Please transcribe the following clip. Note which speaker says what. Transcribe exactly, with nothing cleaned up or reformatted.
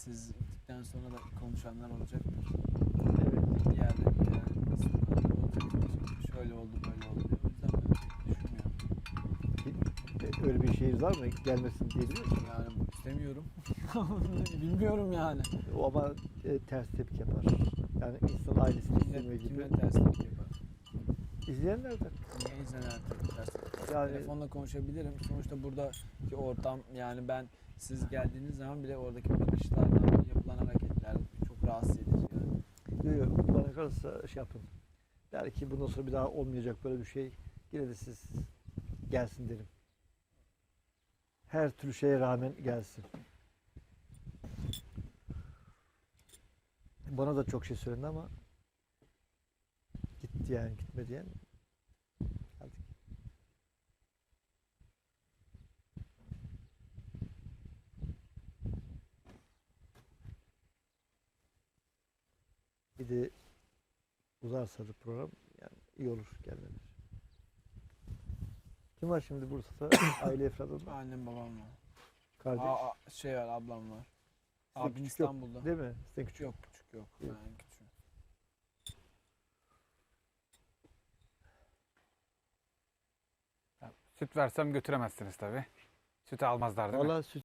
Speaker 1: siz gittikten sonra da konuşanlar olacaktır.
Speaker 2: Evet.
Speaker 1: Bir yerde bir yerde insanlar olacaktır. Şöyle oldu böyle oldu diye. O yüzden ben pek düşünmüyorum.
Speaker 2: E, Öyle bir şeyiniz var mı? Gelmesin diyebiliyor musun?
Speaker 1: Yani istemiyorum. Bilmiyorum yani.
Speaker 2: O ama e, ters tepki yapar. Yani insan ailesini istemiyor
Speaker 1: Kimle,
Speaker 2: gibi.
Speaker 1: kimle terslik yapar?
Speaker 2: İzleyenlerden.
Speaker 1: Niye izlenir terslik?
Speaker 2: Yani
Speaker 1: Telefonla konuşabilirim. Sonuçta buradaki ortam, yani ben siz geldiğiniz zaman bile oradaki bakışlardan yapılan hareketler çok rahatsız edici yani.
Speaker 2: diyor ya, bana kalırsa şey yapın. Der ki bundan sonra bir daha olmayacak böyle bir şey. Yine de siz gelsin derim. Her türlü şeye rağmen gelsin. Bana da çok şey söylendi ama gitti yani gitme diyen. Geldik. Bir de uzarsa da program yani iyi olur gelmeler. Kim var şimdi Bursa'da? Aile efradında.
Speaker 1: Annem babam var.
Speaker 2: Kardeş.
Speaker 1: Aa, a- şey var, ablam var.
Speaker 2: Sizin
Speaker 1: Abim
Speaker 2: küçük yok,
Speaker 1: İstanbul'da.
Speaker 2: değil mi? Sizin küçük.
Speaker 1: Yok küçük yok.
Speaker 2: Yok.
Speaker 1: Ben küçüğüm.
Speaker 3: Süt versem götüremezsiniz tabii. Sütü almazlar değil mi?
Speaker 2: Valla süt